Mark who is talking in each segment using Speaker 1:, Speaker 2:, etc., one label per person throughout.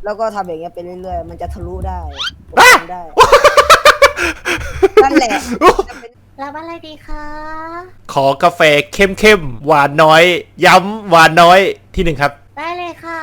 Speaker 1: แล้วก็ทำอย่างเงี้ยไปเรื่อยๆมันจะทะลุได้ได้นั่นแหละ
Speaker 2: รับอะไรดีคะ
Speaker 3: ขอกาแฟเข้มๆหวานน้อยย้ำหวานน้อยที่1ครับ
Speaker 2: ได้เลยค่ะ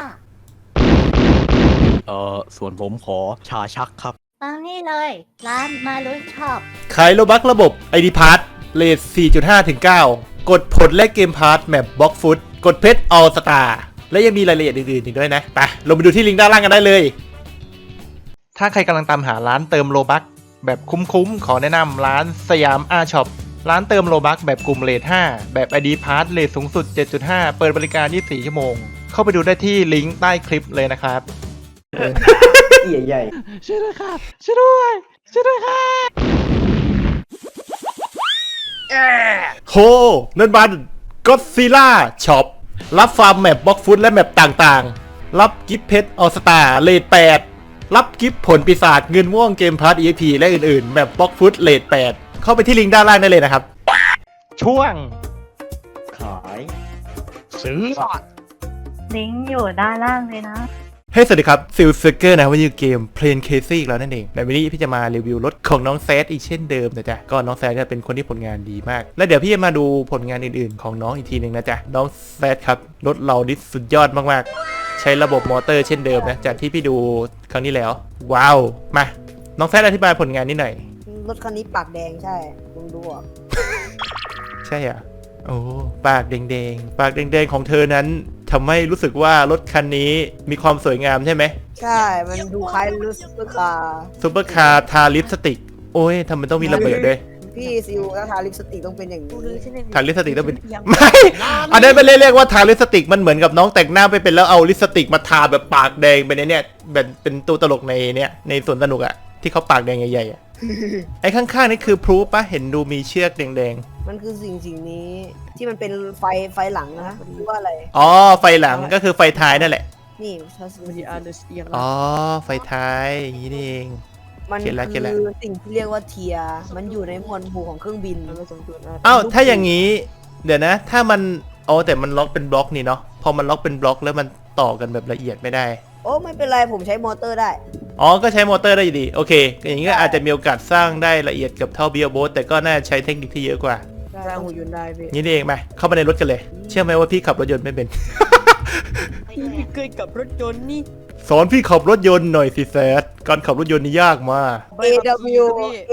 Speaker 4: ส่วนผมขอชาชักครับ
Speaker 2: ตามนี่เลยร้านมาลุยช็อป
Speaker 3: ขายโลบักระบบ ID p a s s เรท 4.5 ถึง 9 กดผลและเกมพาร์ทแมปบล็อกฟุตกดเพชรออลสตาร์และยังมีรายละเอียดอื่นๆอีกด้วยนะไปลงไปดูที่ลิงก์ด้านล่างกันได้เลยถ้าใครกำลังตามหาร้านเติมโลบักแบบคุ้มๆขอแนะนำร้านสยามอาช็อปร้านเติมโลบักแบบกลุ่มเรท 5 แบบ ID p a s s เรทสูงสุด 7.5 เปิดบริการ 24 ชั่วโมงเข้าไปดูได้ที่ลิงก์ใต้คลิปเลยนะครับ
Speaker 5: ใหญ่
Speaker 4: ช่วยด้วยครับช่วยด้วยครับ
Speaker 3: โหนั่นมันก็ซิล่าช็อปรับฟาร์มแมปบล็อกฟุตและแมปต่างๆรับกิฟต์เพชรออสตาเรท 8รับกิฟต์ผลปีศาจเงินม่วงเกมพาร์ท EXP และอื่นๆแมปบล็อกฟุตเรท 8เข้าไปที่ลิงก์ด้านล่างได้เลยนะครับช่วง
Speaker 5: ขาย
Speaker 4: ซื้อ
Speaker 2: ลิงก์อยู่ด้านล่างเลยนะ
Speaker 3: เฮ้ยสวัสดีครับซิลเซอร์เกอร์นะวันนี้เกมเพลนเคซี่อีกแล้วนั่นเองในวันนี้พี่จะมารีวิวรถของน้องแซดอีกเช่นเดิมนะจ๊ะก็น้องแซดเนี่ยเป็นคนที่ผลงานดีมากและเดี๋ยวพี่จะมาดูผลงานอื่นๆของน้องอีกทีหนึ่งนะจ๊ะน้องแซดครับรถเราดิสุดยอดมากๆใช้ระบบมอเตอร์เช่นเดิมนะจากที่พี่ดูครั้งนี้แล้วว้าวมาน้องแซดอธิบายผลงานนิดหน่อย
Speaker 1: รถคันนี้ปากแดงใช่ลุงดูอ่ะ
Speaker 3: ใช่อ่ะโอ้ปากแดงๆปากแดงๆของเธอนั้นทำให้รู้สึกว่ารถคันนี้มีความสวยงามใช่ไหม
Speaker 1: ใช่มันดูคล้ายรถซุปเปอร์คาร์
Speaker 3: ทาลิปสติกโอ้ยทำไมต้องมีระเบิดด้วย
Speaker 1: พี่ซิวถ้าทาลิปสติกต้องเป็นอย่างนี้
Speaker 3: ทาลิปสติกต้องเป็นไม่อันนั้นเป็นเรียกว่าทาลิปสติกมันเหมือนกับน้องแต่งหน้าไปเป็นแล้วเอาลิปสติกมาทาแบบปากแดงไปในเนี่ยแบบเป็นตัวตลกในเนี่ยในสวนสนุกอะที่เขาปากแดงใหญ่ๆอะไอ้ข้างๆนี่คือพรูฟปะเห็นดูมีเชือกแดง
Speaker 1: ๆมันคือสิ่งนี้ที่มันเป็นไฟหลังนะหรือว่าอะไร
Speaker 3: อ๋อไฟหลังก็คือไฟท้ายนั่นแหละ
Speaker 1: นี่มันจะ
Speaker 3: อ๋อไฟท้ายอย่างนี้นี่เอง
Speaker 1: มันคือสิ่งที่เรียกว่าเทียมันอยู่ในหมวดหมู่ของเครื่องบิน
Speaker 3: อ้าวถ้าอย่างนี้เดี๋ยวนะถ้ามันอ๋อแต่มันล็อกเป็นบล็อกนี่เนาะพอมันล็อกเป็นบล็อกแล้วมันต่อกันแบบละเอียดไม่ได้
Speaker 1: โอ้ไม่เป็นไรผมใช้มอเตอร์ได้
Speaker 3: อ๋อก็ใช้มอเตอร์ได้อยู่ดีโอเคอย่างนี้ก็อาจจะมีโอกาสสร้างได้ละเอียดกับเท่าเบียร์โบ๊ทแต่ก็น่าใช้เทคนิคที่เยอะกว่า
Speaker 1: สร้างหุ่นยนต์ได้พี่
Speaker 3: นี่เองมาเข้ามาในรถกันเลยเชื่อไหมว่าพี่ขับรถยนต์ไม่เป็น
Speaker 1: พี่เคยขับรถยนต์นี่
Speaker 3: สอนพี่ขับรถยนต์หน่อยสิแซดการขับรถยนต์นี่ยากมาก
Speaker 1: AW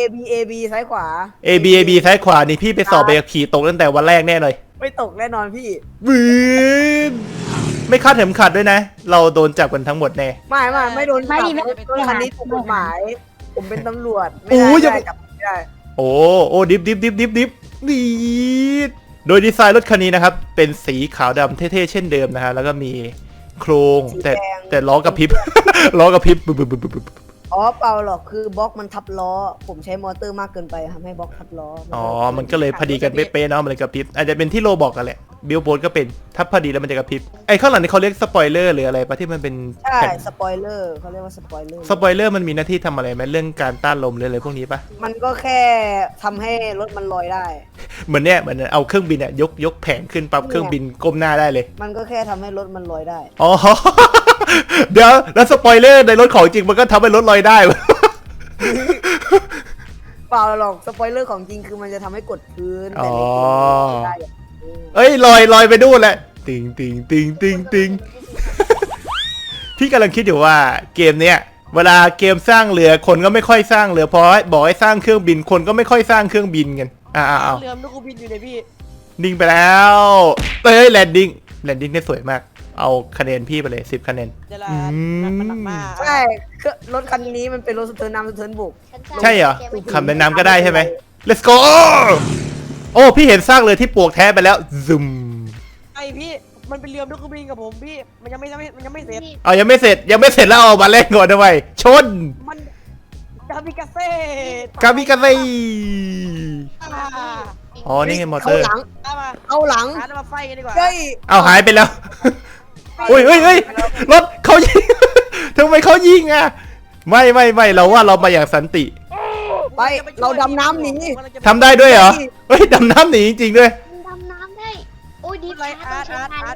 Speaker 1: AB ซ้ายขวา
Speaker 3: AB ซ้ายขวานี่พี่ไปสอบใบขับขี่ตกตั้งแต่วันแรกแน่เลย
Speaker 1: ไม่ตกแน่นอนพี่
Speaker 3: บืนไม่คาดเข็มขัดด้วยนะเราโดนจับกันทั้งหมดแน่
Speaker 1: ไม่โดนจับคันนี้ถูกกฎหมายผมเป็นตำรวจไม่ได้จับไม่ได้
Speaker 3: โอ้ดิบดีโดยดีไซน์รถคันนี้นะครับเป็นสีขาวดำเท่ๆเช่นเดิมนะฮะแล้วก็มีโครงแต่ล้อกระพริบล้อกระพริบ
Speaker 1: อ๋อเปล่าหรอกคือบล็อกมันทับล้อผมใช้มอเตอร์มากเกินไปทำให้บล็อกทับล้อ
Speaker 3: อ๋อมันก็เลยพอดีกันเป๊ะๆเนาะมันเลยกระพริบอาจจะเป็นที่โลบอกกันแหละบิลโบนก็เป็นถ้าพอดีแล้วมันจะกระพริบไอ้ข้างหลังนี่เขาเรียกสปอยเลอร์หรืออะไรปะที่มันเป็น
Speaker 1: ใช่สปอยเลอร์เขาเรียกว่าสปอย
Speaker 3: เลอร์มันมีหน้าที่ทำอะไรไหมเรื่องการต้านลมหรืออะไรพวกนี้ปะ
Speaker 1: มันก็แค่ทำให้รถมันลอยได้
Speaker 3: เหมือนเอาเครื่องบินเนี่ยยกแผงขึ้นปั๊บเครื่องบินก้มหน้าได้เลย
Speaker 1: มันก็แค่ทำให้รถมันลอยได้
Speaker 3: อ๋อเดี๋ยวแล้วสปอยเลอร์ในรถของจริงมันก็ทำให้รถลอยได้
Speaker 1: เปล่าหรอกสปอยเลอร์ของจริงคือมันจะทำให้กดพื้นแต่ในได้
Speaker 3: เอ้ยลอยไปดูแหละติงพี่กำลังคิดอยู่ว่าเกมเนี้ยเวลาเกมสร้างเรือคนก็ไม่ค่อยสร้างเรือพอบอกให้สร้างเครื่องบินคนก็ไม่ค่อยสร้างเครื่องบินกัน
Speaker 1: เรือลูกบินอยู่ในพี่
Speaker 3: นิ่งไปแล้วแลนดิ้งได้สวยมากเอาคะแนนพี่ไปเลย10 คะแนน
Speaker 1: ใช่รถคันนี้มันเป็นรถสะเทินน้ำสะเทินบุก
Speaker 3: ใช่เหรอขับในน้ำก็ได้ใช่ไหม let's go โอ้พี่เห็นซากเรือที่ปลวกแท้ไปแล้วซึม
Speaker 1: ไอพี่มันเป็นเรือลูกบินกับผมพี่มันยังไม่เสร็จ
Speaker 3: ยังไม่เสร็จแล้วเอามาเล่นก่อนทำไมชน
Speaker 1: มันกามิกาเซ่
Speaker 3: อ๋อนี่ไงมอเตอร์
Speaker 1: เอาหลังมาไฟกันดีกว่า
Speaker 3: เอาหายไปแล้วเฮ้ยรถเขายิงทำไมเขายิงอ่ะไม่เราว่าเรามาอย่างสันติ
Speaker 1: ไปเราดำน้ำหนี
Speaker 3: ทำได้ด้วยเหรอเฮ้ยดำน้ำหนีจริงๆด้วย
Speaker 2: ดำน้ำได้โอ้ยดี
Speaker 1: ไรอาร์ต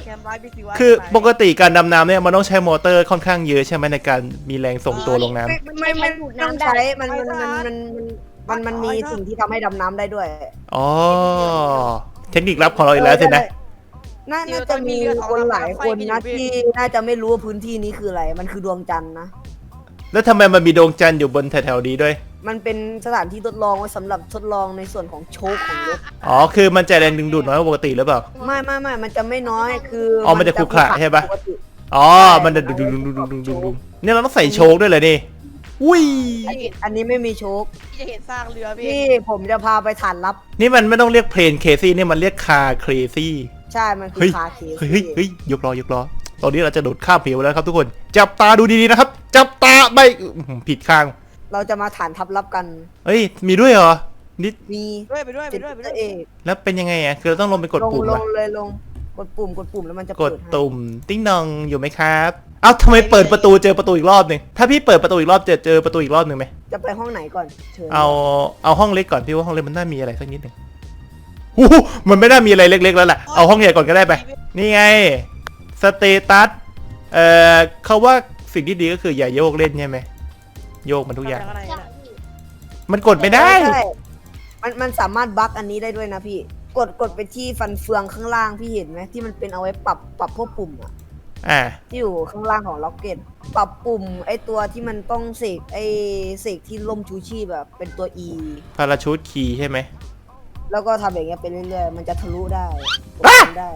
Speaker 1: แคมป์ไว้พี่สิวะ
Speaker 3: คือปกติการดำน้ำเนี่ยมันต้องใช้มอเตอร์ค่อนข้างเยอะใช่ไหมในการมีแรงส่งตัวลงน้ำ
Speaker 1: ไม่ต้องใช้มันมีสิ่งที่ทำให้ดำน้ำได้ด้วย
Speaker 3: อ๋อ เทคนิคลับของเราอีกแล้วสินะ
Speaker 1: น่าจะมีคนหลายคนนะที่น่าจะไม่รู้ว่าพื้นที่นี้คืออะไร มันคือดวงจันทร์นะ
Speaker 3: แล้วทำไมมันมีดวงจันทร์อยู่บนแถวๆนี้ด้วย
Speaker 1: มันเป็นสถานที่ทดลองไว้สำหรับทดลองในส่วนของโชคของรถ
Speaker 3: อ๋อ คือมันจะแรงดึงดูดน้อยกว่าปกติหรือเปล่า
Speaker 1: ไม่มันจะไม่น้อยคือ
Speaker 3: มันจะขรุขระใช่ปะ
Speaker 1: ปกติ
Speaker 3: อ๋อ มันจะดึงเนี่ยเราต้องใส่โชคด้วยเลยนี่อุ้ย
Speaker 1: อันนี้ไม่มีโชค
Speaker 6: จะเห็นซากเรือพี่
Speaker 1: พี่ผมจะพาไปฐานลับ
Speaker 3: นี่มันไม่ต้องเรียกเพลนเคซี่นี่มันเรียกคาเครซี่
Speaker 1: ใช่มันคือ
Speaker 3: เฮ้ย
Speaker 1: คาเคส
Speaker 3: เฮ้ยยกล้อตอนนี้เราจะโดดข้ามเหวแล้วครับทุกคน จับตาดูดีๆนะครับ จับตาไม่ผิดข้าง
Speaker 1: เราจะมาฐานทับลับกัน
Speaker 3: เฮ้ย มีด้วยเหรอ นี่
Speaker 1: มี
Speaker 6: ไปด้วย
Speaker 1: เอก
Speaker 3: แล้วเป็นยังไงอ่ะ คือเราต้องลงไปกดปุ่ม
Speaker 1: ล
Speaker 3: ปะ
Speaker 1: งเลยลงกดปุ่มแล้วมันจะ
Speaker 3: ก
Speaker 1: เปิ
Speaker 3: ด
Speaker 1: ดให้
Speaker 3: ตุ่มติ้งนองอยู่ไหมครับ เอ้าทำไมเปิดประตูเจอประตูอีกรอบหนึ่งถ้าพี่เปิดประตูอีกรอบเจอประตูอีกรอบหนึ่งไหม
Speaker 1: จะไปห้องไหนก่อนเชิญ
Speaker 3: เอาห้องเล็กก่อนพี่ว่าห้องเล็กมันน่ามีอะไรสักนิดหนึ่งหูมันไม่น่ามีอะไรเล็กๆแล้วแหละ เอาห้องใหญ่ก่อนก็ได้ไป นี่ไง สเตตัส เขาว่าสิ่งที่ดีก็คืออย่าโยกเล่นใช่ไหม โยกมันทุกอย่าง มันกดไม่ได้
Speaker 1: มันสามารถบั๊กอันนี้ได้ด้วยนะพี่ กดไปที่ฟันเฟืองข้างล่างพี่เห็นไหมที่มันเป็นเอาไว้ปรับพวกปุ่มอะ
Speaker 3: อ่า
Speaker 1: ที่อยู่ข้างล่างของล็อกเก็ตปรับปุ่มไอตัวที่มันต้องเสกที่ล่มชูชีพแบบเป็นตัว E
Speaker 3: พาราชูตคีย์ใช่ไหม
Speaker 1: แล้วก็ทำอย่างเงี้ยไปเรื่อยๆมันจะทะลุได้
Speaker 3: อ่ะ
Speaker 1: ได้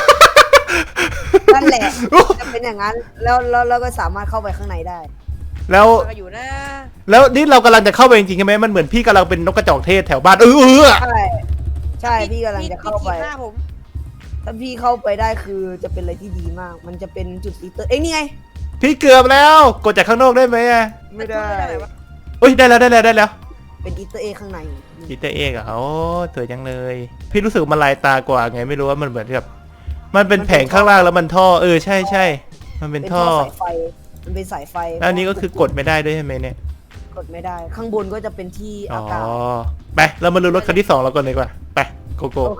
Speaker 1: นั่นแหละจะเป็นอย่างนั้นแล้วก็สามารถเข้าไปข้างในได้
Speaker 3: แล้ว
Speaker 6: ก็อยู่นะ
Speaker 3: แล้วนี่เรากำลังจะเข้าไปจริงๆใช่ไหมมันเหมือนพี่กำลังเป็นนกกระจอกเทศแถวบ้าน
Speaker 1: ใช่พี่กำลังจะเข้าไป
Speaker 6: หน้าผม
Speaker 1: ถ้าพี่เข้าไปได้คือจะเป็นอะไรที่ดีมาก มันจะเป็นจุดอีเตอร์เอ้ยนี่ไง
Speaker 3: พี่เกือบแล้ว กดจากข้างนอกได้ไหมอ่ะ
Speaker 1: ไม่ได้
Speaker 3: เอ้ยได้แล้ว
Speaker 1: เป็นอีเตอร์เอข้างใน
Speaker 3: อีเตอร์เอกอะโอ้สวยจังเลย พี่รู้สึกมันลายตากว่าไงไม่รู้ว่ามันเหมือนกับมันเป็นแผงข้างล่างแล้วมันท่อใช่มันเป็นท่อ
Speaker 1: สายไฟมันเป็นสายไฟ
Speaker 3: แล้วอันนี้ก็คือกดไม่ได้ด้วยใช่ไหมเนี่ย
Speaker 1: กดไม่ได้ ข้างบนก็จะเป็นที่
Speaker 3: อ๋อ
Speaker 1: อากาศ
Speaker 3: ไปเรามาดูรถคันที่2เราก่อนดีกว่าไปโกโก้
Speaker 1: โอเค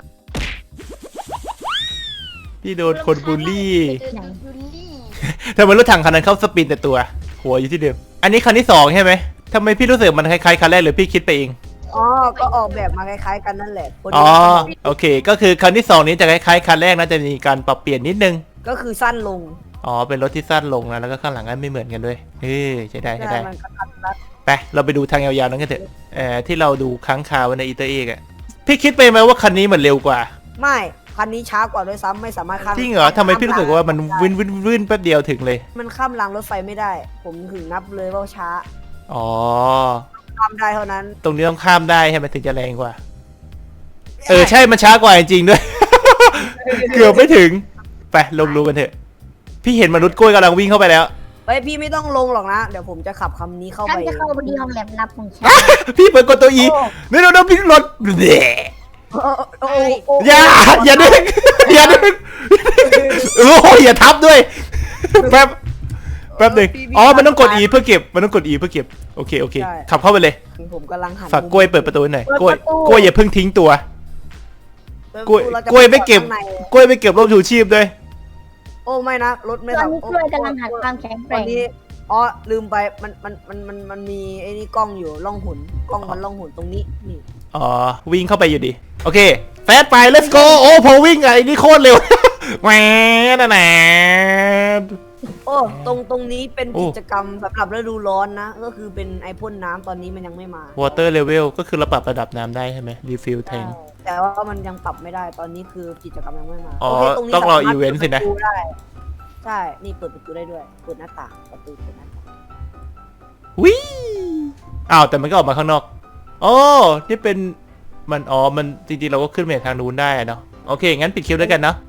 Speaker 3: พี่โดนคนบูลลี่ทำไมรถถังคันนั้นเข้าสปินแต่ตัว หัวอยู่ที่เดิมอันนี้คันที่2ใช่ไหมทำไมพี่รู้สึกมันคล้ายๆคันแรกหรือพี่คิดไปเอง
Speaker 1: อ๋อก็ออกแบบมาคล้ายๆกันนั่นแหละคน
Speaker 3: อ๋อโอเค ก็คือคันที่2นี้จะคล้ายๆคันแรกนะจะมีการปรับเปลี่ยนนิดนึง
Speaker 1: ก็คือสั้นลง
Speaker 3: อ๋อเป็นรถที่สั้นลงนะแล้วก็ข้างหลังก็ไม่เหมือนกันด้วยใช่ได้
Speaker 1: มันกระทัดรัด
Speaker 3: ไปเราไปดูทางยาวๆนั้นกันเถอะที่เราดูค้างคาวในอีเตอร์เอกอะพี่คิดไปไหมว่าคันนี้มันเร็วกว่า
Speaker 1: ไม่คันนี้ช้ากว่าด้วยซ้ำไม่สามารถข้าม
Speaker 3: จริงเหรอทำไมพี่รู้สึกว่ามันวินแป๊บเดียวถึงเลย
Speaker 1: มันข้ามรางรถไฟไม่ได้ ผมถึงนับเลยว่าช้า
Speaker 3: อ๋อ
Speaker 1: ข้ามได้เท่านั้น
Speaker 3: ตรงนี้ต้องข้ามได้ใช่ไหมถึงจะแรงกว่า ใช่มันช้ากว่าจริงๆด้วย เกือบไม่ถึงไปลงรูกันเถอะ พี่เห็นมนุษย์กล้วยกำลังวิ่งเข้าไปแล้ว
Speaker 1: เฮ้ยพี่ไม่ต้องลงหรอกนะ เดี๋ยวผมจะขับคำนี้เข้า
Speaker 2: ฉัน
Speaker 1: ไป
Speaker 2: จะเข้าไปที่ห้องแลบลับของฉัน
Speaker 3: พี่เปิดกดตัวอีนี่เราพี่รถเดะ
Speaker 1: โอ้
Speaker 3: อย่าดึงอย่าดึงโอ้ยอย่าทับด้วยแป๊บหนึ่งอ๋อมันต้องกด E เพื่อเก็บมันต้องกด E เพื่อเก็บโอเคขับเข้าไปเลย
Speaker 1: ผมกำลังหัน
Speaker 3: ฝากกล้วยเปิดประตูหน่อยกล้วยอย่าเพิ่งทิ้งตัวกล้วยไม่เก็บร่มชูชีพด้วย
Speaker 1: โอ้ไม่นะรถไม่
Speaker 2: ตอนนี้กล้วยกำลังหัดความแข็งแก
Speaker 1: วั
Speaker 2: ร่
Speaker 1: น
Speaker 2: ง
Speaker 1: นี้อ๋อลืมไปมันมีไอ้นี่กล้องอยู่ล่องหุนกล้องมันล่องหุนตรงนี้นี่
Speaker 3: อ๋อวิ่งเข้าไปอยู่ดีโอเคแฟสไป let's go โอ้พอวิ่งไอ้นี่โคตรเร็วแหวนนะ
Speaker 1: โอ้ตรงนี้เป็นกิจกรรมสำหรับฤดูร้อนนะ ก็คือเป็นไอพ่นน้ำตอนนี้มันยังไม่มา
Speaker 3: water level ก็คือเราปรับระดับน้ำได้ใช่ไหม refill tank
Speaker 1: แต่ว่ามันยังปรับไม่ได้ตอนนี้คือกิจกรรมยังไม่มา
Speaker 3: อ๋อ
Speaker 1: โเคนี้
Speaker 3: ต้องรอ
Speaker 1: สามารถ
Speaker 3: event สินะ
Speaker 1: เปิดประตูได้ใช่นี่เปิดประตูได้ด้วยเปิดหน้าต่างประตูเปิดหน้าต่าง
Speaker 3: วิอ้าวแต่มันก็ออกมาข้างนอกโอ้นี่เป็นมันมันจริงๆเราก็ขึ้นไปทางนู้นได้เนาะโอเคงั้นปิดคลิปด้วยกันเนาะ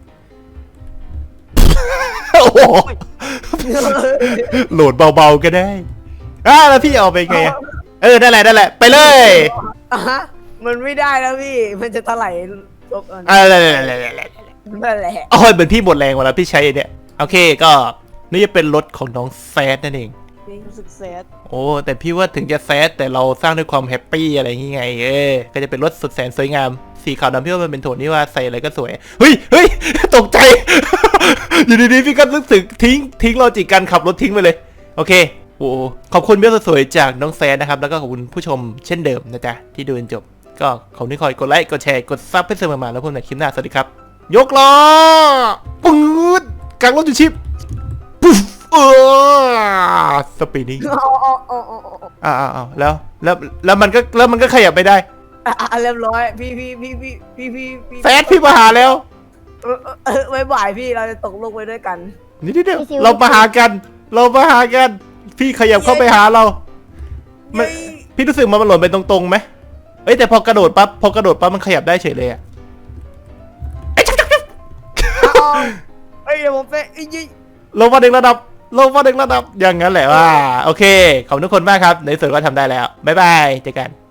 Speaker 3: โอ้โหโหลดเบาๆก็ได้แล้วพี่เอาไปไงได้แหละไปเลย
Speaker 1: อ่ะฮะมันไม่ได้แล้วพี่มันจะถลายลบ
Speaker 3: อะไร
Speaker 1: นั่นแหละ
Speaker 3: โอ้ยเหมือนพี่หมดแรงหมดแล้วพี่ใช้เนี่ยโอเคก็นี่จะเป็นรถของน้องแซดนั่นเอง
Speaker 6: รู้สึกแซด
Speaker 3: โอ้แต่พี่ว่าถึงจะแซดแต่เราสร้างด้วยความแฮปปี้อะไรอย่างงี้ไงก็จะเป็นรถสุดแสนสวยงามสีขาวดำพี่ว่ามันเป็นโทนที่ว่าใส่อะไรก็สวยเฮ้ย ตกใจ อยู่ดีๆพี่ก็รู้สึกทิ้งโลจิกการขับรถทิ้งไปเลยโอเคโอ้ขอบคุณเบี้ยสวยๆจากน้องแซนนะครับแล้วก็ขอบคุณผู้ชมเช่นเดิมนะจ๊ะที่ดูจนจบก็ขอบคุณที่คอยกดไลค์กดแชร์กดซับให้เสมอมาแล้วพบกันในคลิปหน้าสวัสดีครับยกล้อปื๊ดกลางรถจุดชิปปุ๊บสปีดนิ่งแล้วมันก็ขยับไม่ได้
Speaker 1: เรียบร้อยพี่
Speaker 3: แซดพี่มาหาแล้ว
Speaker 1: ไว้บ่ายพี่เราจะตกลงไปด้วยกัน
Speaker 3: นี่เดี๋ยวเรามาหากันพี่ขยับเข้าไปหาเราพี่รู้สึกมันหล่นไปตรงๆไหมเอ้ยแต่พอกระโดดปั๊บมันขยับได้เฉยเลยอะ
Speaker 1: เอ้ยเดี๋ยวผมไป
Speaker 3: ลงมาหนึ่งระดับอย่างนั้นแหละว่าโอเคขอบคุณทุกคนมากครับในส่วนก็ทำได้แล้วบ๊ายบายเจอกัน